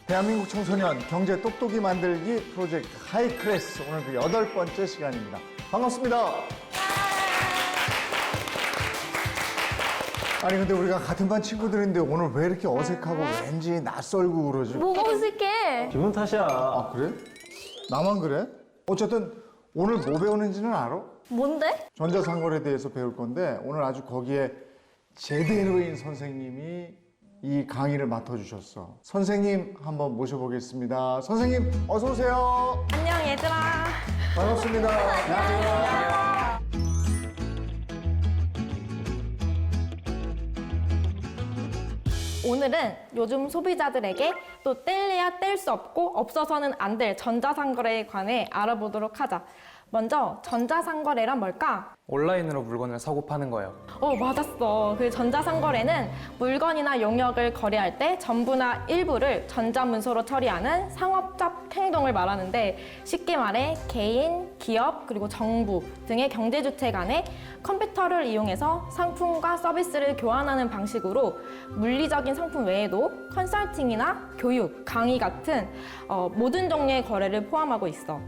대한민국 청소년 경제 똑똑이 만들기 프로젝트 하이클래스 오늘 그 8번째 시간입니다. 반갑습니다. 아니 근데 우리가 같은 반 친구들인데 오늘 왜 이렇게 어색하고 왠지 낯설고 그러지? 뭐가 어색해? 기분 탓이야. 아 그래? 나만 그래? 어쨌든 오늘 뭐 배우는지는 알아? 뭔데? 전자상거래에 대해서 배울 건데 오늘 아주 거기에 제대로인 선생님이 이 강의를 맡아주셨어. 선생님 한번 모셔보겠습니다. 선생님 어서 오세요. 안녕 얘들아. 반갑습니다. 안녕하세요. 오늘은 요즘 소비자들에게 또 뗄래야 뗄 수 없고 없어서는 안 될 전자상거래에 관해 알아보도록 하자. 먼저 전자상거래란 뭘까? 온라인으로 물건을 사고 파는 거예요. 맞았어. 그 전자상거래는 물건이나 용역을 거래할 때 전부나 일부를 전자문서로 처리하는 상업적 행동을 말하는데 쉽게 말해 개인, 기업, 그리고 정부 등의 경제주체 간에 컴퓨터를 이용해서 상품과 서비스를 교환하는 방식으로 물리적인 상품 외에도 컨설팅이나 교육, 강의 같은 모든 종류의 거래를 포함하고 있어.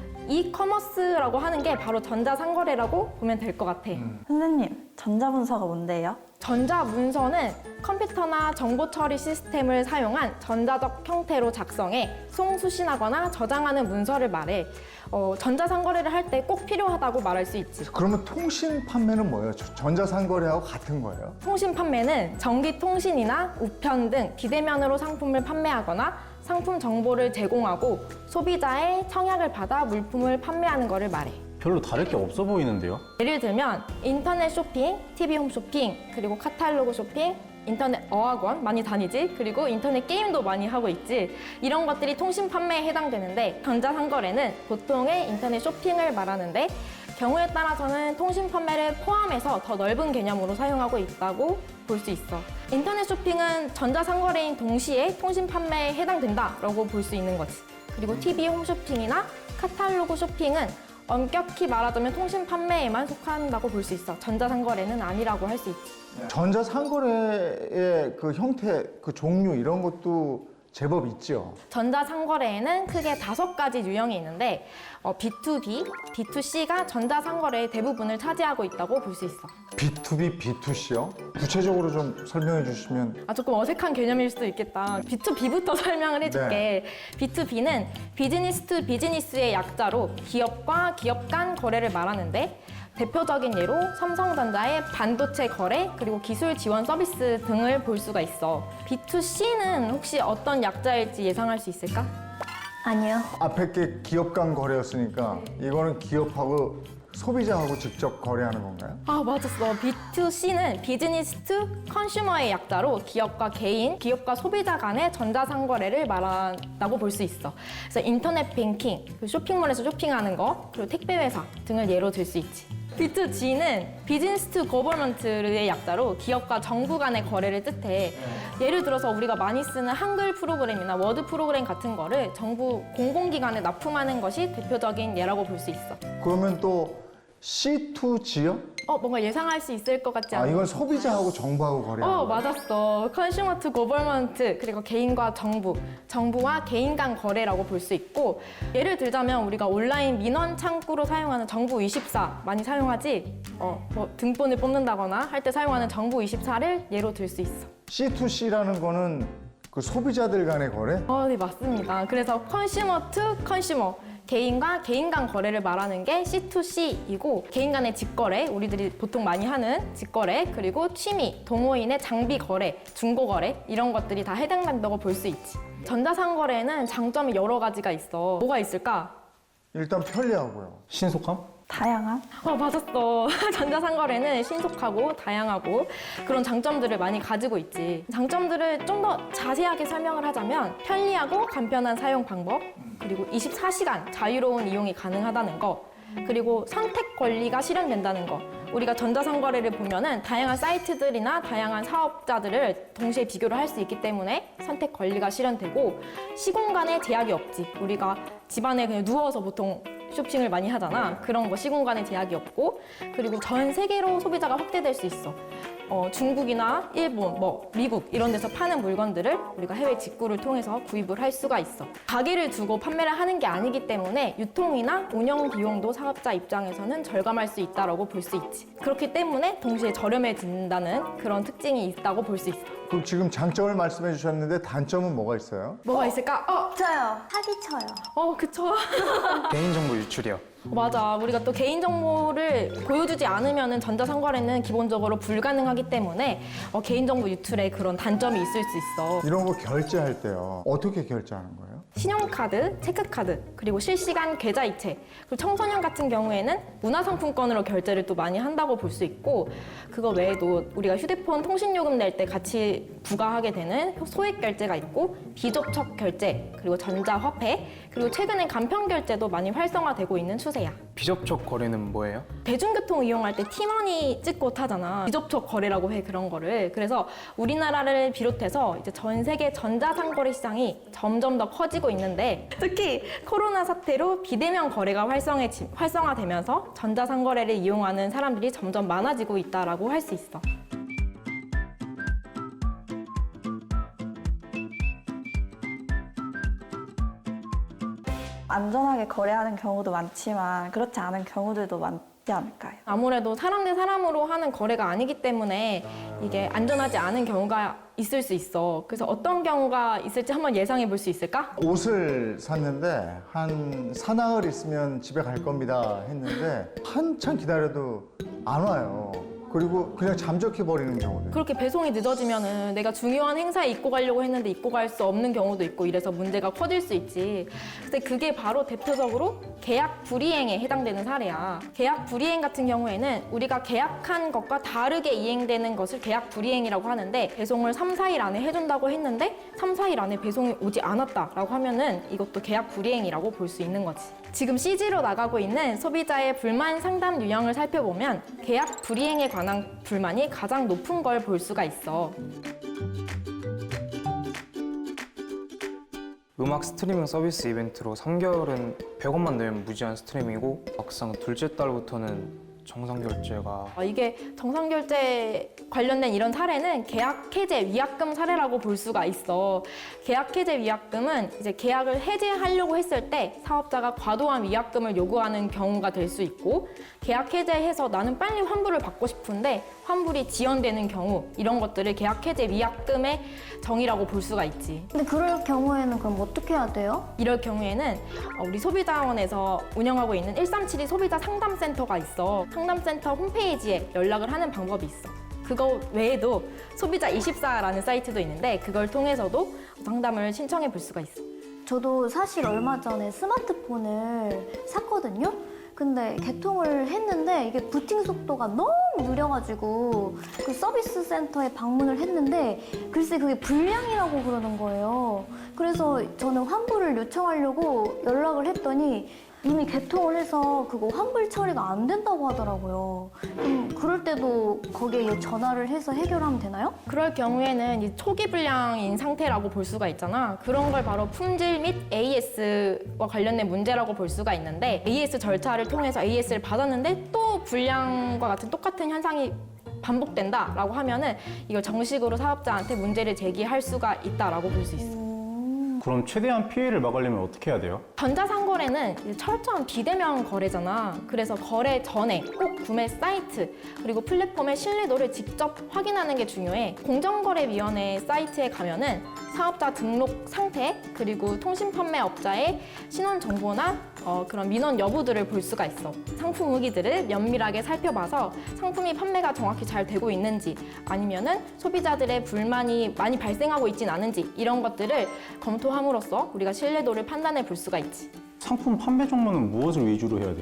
이커머스라고 하는 게 바로 전자상거래라고 보면 될 것 같아. 선생님, 전자문서가 뭔데요? 전자문서는 컴퓨터나 정보 처리 시스템을 사용한 전자적 형태로 작성해 송수신하거나 저장하는 문서를 말해. 전자상거래를 할 때 꼭 필요하다고 말할 수 있지. 그러면 통신 판매는 뭐예요? 전자상거래하고 같은 거예요? 통신 판매는 전기통신이나 우편 등 비대면으로 상품을 판매하거나 상품 정보를 제공하고 소비자의 청약을 받아 물품을 판매하는 것을 말해. 별로 다를 게 없어 보이는데요? 예를 들면 인터넷 쇼핑, TV 홈쇼핑, 그리고 카탈로그 쇼핑, 인터넷 어학원 많이 다니지? 그리고 인터넷 게임도 많이 하고 있지? 이런 것들이 통신 판매에 해당되는데 전자상거래는 보통의 인터넷 쇼핑을 말하는데 경우에 따라서는 통신 판매를 포함해서 더 넓은 개념으로 사용하고 있다고 볼 수 있어. 인터넷 쇼핑은 전자상거래인 동시에 통신 판매에 해당된다라고 볼 수 있는 거지. 그리고 TV 홈쇼핑이나 카탈로그 쇼핑은 엄격히 말하자면 통신 판매에만 속한다고 볼 수 있어. 전자상거래는 아니라고 할 수 있지. 전자상거래의 그 형태, 그 종류 이런 것도 제법 있죠. 전자상거래에는 크게 5가지 유형이 있는데 B2B, B2C가 전자상거래의 대부분을 차지하고 있다고 볼 수 있어. B2B, B2C요? 구체적으로 좀 설명해 주시면. 조금 어색한 개념일 수도 있겠다. B2B부터 설명을 해줄게. B2B는 비즈니스 투 비즈니스의 약자로 기업과 기업 간 거래를 말하는데 대표적인 예로 삼성전자의 반도체 거래, 그리고 기술 지원 서비스 등을 볼 수가 있어. B2C는 혹시 어떤 약자일지 예상할 수 있을까? 아니요. 앞에 게 기업 간 거래였으니까 이거는 기업하고 소비자하고 직접 거래하는 건가요? 맞았어. B2C는 비즈니스 투 컨슈머의 약자로 기업과 개인, 기업과 소비자 간의 전자상거래를 말한다고 볼 수 있어. 그래서 인터넷 뱅킹, 쇼핑몰에서 쇼핑하는 거, 그리고 택배 회사 등을 예로 들 수 있지. B2G는 비즈니스 투 거버먼트의 약자로 기업과 정부 간의 거래를 뜻해. 예를 들어서 우리가 많이 쓰는 한글 프로그램이나 워드 프로그램 같은 거를 정부 공공기관에 납품하는 것이 대표적인 예라고 볼 수 있어. 그러면 또 C2G요? 뭔가 예상할 수 있을 것 같지 않아? 이건 소비자하고 정부하고 거래하는 거예요? 맞았어. 컨슈머 투 거버먼트, 그리고 개인과 정부, 정부와 개인 간 거래라고 볼 수 있고, 예를 들자면 우리가 온라인 민원 창구로 사용하는 정부24 많이 사용하지? 등본을 뽑는다거나 할 때 사용하는 정부24를 예로 들 수 있어. C2C라는 거는 그 소비자들 간의 거래? 네, 맞습니다. 그래서 컨슈머 투 컨슈머, 개인과 개인 간 거래를 말하는 게 C2C이고, 개인 간의 직거래, 우리들이 보통 많이 하는 직거래, 그리고 취미, 동호인의 장비 거래, 중고 거래 이런 것들이 다 해당된다고 볼 수 있지. 전자상거래에는 장점이 여러 가지가 있어. 뭐가 있을까? 일단 편리하고요. 신속함? 다양함? 맞았어. 전자상거래는 신속하고 다양하고 그런 장점들을 많이 가지고 있지. 장점들을 좀 더 자세하게 설명을 하자면 편리하고 간편한 사용 방법, 그리고 24시간 자유로운 이용이 가능하다는 거, 그리고 선택 권리가 실현된다는 거. 우리가 전자상거래를 보면은 다양한 사이트들이나 다양한 사업자들을 동시에 비교를 할 수 있기 때문에 선택 권리가 실현되고 시공간에 제약이 없지. 우리가 집안에 그냥 누워서 보통 쇼핑을 많이 하잖아. 그런 거 시공간에 제약이 없고, 그리고 전 세계로 소비자가 확대될 수 있어. 중국이나 일본, 미국 이런 데서 파는 물건들을 우리가 해외 직구를 통해서 구입을 할 수가 있어. 가게를 두고 판매를 하는 게 아니기 때문에 유통이나 운영 비용도 사업자 입장에서는 절감할 수 있다고 볼 수 있지. 그렇기 때문에 동시에 저렴해진다는 그런 특징이 있다고 볼 수 있어. 그럼 지금 장점을 말씀해 주셨는데 단점은 뭐가 있어요? 뭐가 있을까? 저요. 사기쳐요. 그쵸. 개인정보 유출이요. 맞아. 우리가 또 개인정보를 보여주지 않으면 전자상거래는 기본적으로 불가능하기 때문에 개인정보 유출에 그런 단점이 있을 수 있어. 이런 거 결제할 때요. 어떻게 결제하는 거예요? 신용카드, 체크카드, 그리고 실시간 계좌이체, 그리고 청소년 같은 경우에는 문화상품권으로 결제를 또 많이 한다고 볼 수 있고, 그거 외에도 우리가 휴대폰 통신요금 낼 때 같이 부과하게 되는 소액 결제가 있고, 비접촉 결제, 그리고 전자화폐, 그리고 최근엔 간편 결제도 많이 활성화되고 있는 추세야. 비접촉 거래는 뭐예요? 대중교통 이용할 때 티머니 찍고 타잖아. 비접촉 거래라고 해, 그런 거를. 그래서 우리나라를 비롯해서 이제 전 세계 전자상거래 시장이 점점 더 커지고 있는데, 특히 코로나 사태로 비대면 거래가 활성화되면서 전자상거래를 이용하는 사람들이 점점 많아지고 있다라고 할 수 있어. 안전하게 거래하는 경우도 많지만 그렇지 않은 경우들도 많지 않을까요? 아무래도 사람 대 사람으로 하는 거래가 아니기 때문에 이게 안전하지 않은 경우가 있을 수 있어. 그래서 어떤 경우가 있을지 한번 예상해 볼 수 있을까? 옷을 샀는데 한 사나흘 있으면 집에 갈 겁니다 했는데 한참 기다려도 안 와요. 그리고 그냥 잠적해 버리는 경우도. 그렇게 배송이 늦어지면은 내가 중요한 행사에 입고 가려고 했는데 입고 갈 수 없는 경우도 있고 이래서 문제가 커질 수 있지. 근데 그게 바로 대표적으로 계약 불이행에 해당되는 사례야. 계약 불이행 같은 경우에는 우리가 계약한 것과 다르게 이행되는 것을 계약 불이행이라고 하는데, 배송을 3, 4일 안에 해준다고 했는데 3, 4일 안에 배송이 오지 않았다라고 하면은 이것도 계약 불이행이라고 볼 수 있는 거지. 지금 CG로 나가고 있는 소비자의 불만 상담 유형을 살펴보면 계약 불이행에 관한 불만이 가장 높은 걸 볼 수가 있어. 음악 스트리밍 서비스 이벤트로 3개월은 100원만 내면 무제한 스트리밍이고, 막상 둘째 달부터는 정상 결제가 이게 정상결제 관련된 이런 사례는 계약 해제 위약금 사례라고 볼 수가 있어. 계약 해제 위약금은 이제 계약을 해제하려고 했을 때 사업자가 과도한 위약금을 요구하는 경우가 될 수 있고, 계약 해제해서 나는 빨리 환불을 받고 싶은데 환불이 지연되는 경우, 이런 것들을 계약 해제 위약금의 정의라고 볼 수가 있지. 근데 그럴 경우에는 그럼 어떻게 해야 돼요? 이럴 경우에는 우리 소비자원에서 운영하고 있는 1372 소비자 상담센터가 있어. 상담센터 홈페이지에 연락을 하는 방법이 있어. 그거 외에도 소비자24라는 사이트도 있는데 그걸 통해서도 상담을 신청해 볼 수가 있어. 저도 사실 얼마 전에 스마트폰을 샀거든요. 근데 개통을 했는데 이게 부팅 속도가 너무 느려가지고 그 서비스 센터에 방문을 했는데 글쎄 그게 불량이라고 그러는 거예요. 그래서 저는 환불을 요청하려고 연락을 했더니 이미 개통을 해서 그거 환불 처리가 안 된다고 하더라고요. 그럼 그럴 때도 거기에 전화를 해서 해결하면 되나요? 그럴 경우에는 이 초기 불량인 상태라고 볼 수가 있잖아. 그런 걸 바로 품질 및 AS와 관련된 문제라고 볼 수가 있는데, AS 절차를 통해서 AS를 받았는데 또 불량과 같은 똑같은 현상이 반복된다라고 하면은 이걸 정식으로 사업자한테 문제를 제기할 수가 있다라고 볼 수 있어. 그럼 최대한 피해를 막으려면 어떻게 해야 돼요? 전자상거래는 이제 철저한 비대면 거래잖아. 그래서 거래 전에 꼭 구매 사이트 그리고 플랫폼의 신뢰도를 직접 확인하는 게 중요해. 공정거래위원회 사이트에 가면은 사업자 등록 상태 그리고 통신판매업자의 신원 정보나 그런 민원 여부들을 볼 수가 있어. 상품 후기들을 면밀하게 살펴봐서 상품이 판매가 정확히 잘 되고 있는지, 아니면은 소비자들의 불만이 많이 발생하고 있진 않은지, 이런 것들을 검토함으로써 우리가 신뢰도를 판단해 볼 수가 있지. 상품 판매 정보는 무엇을 위주로 해야 돼요?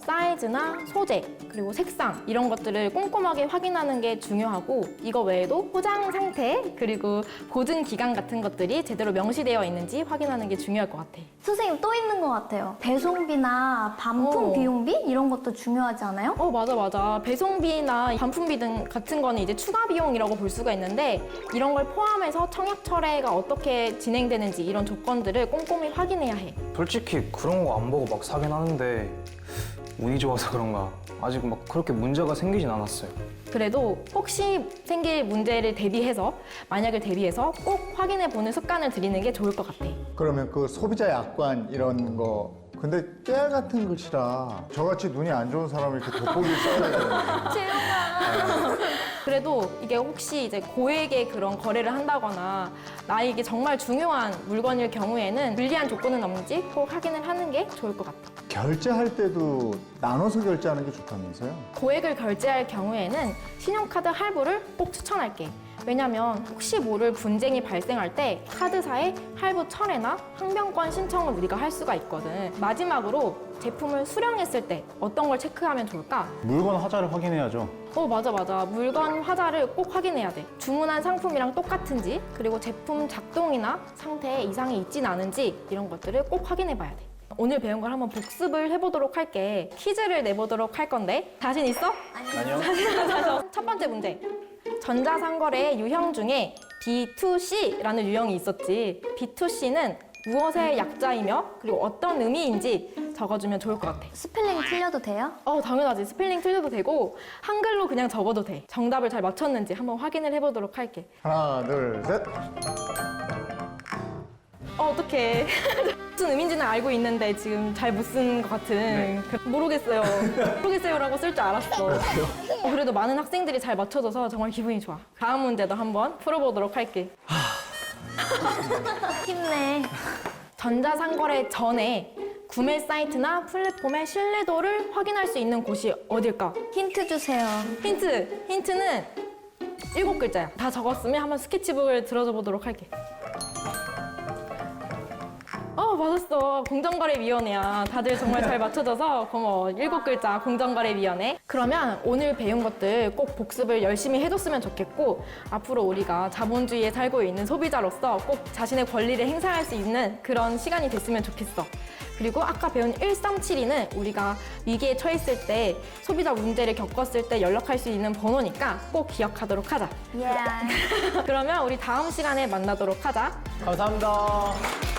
사이즈나 소재, 그리고 색상 이런 것들을 꼼꼼하게 확인하는 게 중요하고 이거 외에도 포장 상태, 그리고 보증 기간 같은 것들이 제대로 명시되어 있는지 확인하는 게 중요할 것 같아. 선생님 또 있는 것 같아요. 배송비나 반품 비용비 이런 것도 중요하지 않아요? 맞아. 배송비나 반품비 등 같은 거는 이제 추가 비용이라고 볼 수가 있는데 이런 걸 포함해서 청약 철회가 어떻게 진행되는지 이런 조건들을 꼼꼼히 확인해야 해. 솔직히 그런 거 안 보고 막 사긴 하는데 운이 좋아서 그런가 아직 막 그렇게 문제가 생기진 않았어요. 그래도 혹시 생길 문제를 대비해서 만약을 대비해서 꼭 확인해 보는 습관을 들이는 게 좋을 것 같아. 그러면 그 소비자 약관 이런 거 근데 깨알 같은 글씨라 저같이 눈이 안 좋은 사람이 이렇게 돋보기를 써야 되거든요. 그래도 이게 혹시 이제 고액의 그런 거래를 한다거나 나에게 정말 중요한 물건일 경우에는 불리한 조건은 없는지 꼭 확인을 하는 게 좋을 것 같아. 결제할 때도 나눠서 결제하는 게 좋다면서요? 고액을 결제할 경우에는 신용카드 할부를 꼭 추천할게. 왜냐면 혹시 모를 분쟁이 발생할 때 카드사에 할부 철회나 항변권 신청을 우리가 할 수가 있거든. 마지막으로 제품을 수령했을 때 어떤 걸 체크하면 좋을까? 물건 화자를 확인해야죠. 맞아. 물건 화자를 꼭 확인해야 돼. 주문한 상품이랑 똑같은지, 그리고 제품 작동이나 상태에 이상이 있진 않은지 이런 것들을 꼭 확인해 봐야 돼. 오늘 배운 걸 한번 복습을 해보도록 할게. 퀴즈를 내보도록 할 건데 자신 있어? 아니요. 첫 번째 문제. 전자상거래의 유형 중에 B2C라는 유형이 있었지. B2C는 무엇의 약자이며 그리고 어떤 의미인지 적어주면 좋을 것 같아. 스펠링 틀려도 돼요? 당연하지. 스펠링 틀려도 되고 한글로 그냥 적어도 돼. 정답을 잘 맞췄는지 한번 확인을 해보도록 할게. 하나, 둘, 셋. 어떡해. 무슨 의미인지는 알고 있는데 지금 잘 못 쓴 것 같은. 모르겠어요. 모르겠어요라고 쓸 줄 알았어. 그래도 많은 학생들이 잘 맞춰줘서 정말 기분이 좋아. 다음 문제도 한번 풀어보도록 할게. 힘내. 전자상거래 전에 구매 사이트나 플랫폼의 신뢰도를 확인할 수 있는 곳이 어딜까? 힌트 주세요. 힌트는 7글자야. 다 적었으면 한번 스케치북을 들어줘 보도록 할게. 맞았어. 공정거래위원회야. 다들 정말 잘 맞춰줘서 고마워. 7글자 공정거래위원회. 그러면 오늘 배운 것들 꼭 복습을 열심히 해줬으면 좋겠고 앞으로 우리가 자본주의에 살고 있는 소비자로서 꼭 자신의 권리를 행사할 수 있는 그런 시간이 됐으면 좋겠어. 그리고 아까 배운 1372는 우리가 위기에 처했을 때 소비자 문제를 겪었을 때 연락할 수 있는 번호니까 꼭 기억하도록 하자. 예. 그러면 우리 다음 시간에 만나도록 하자. 감사합니다.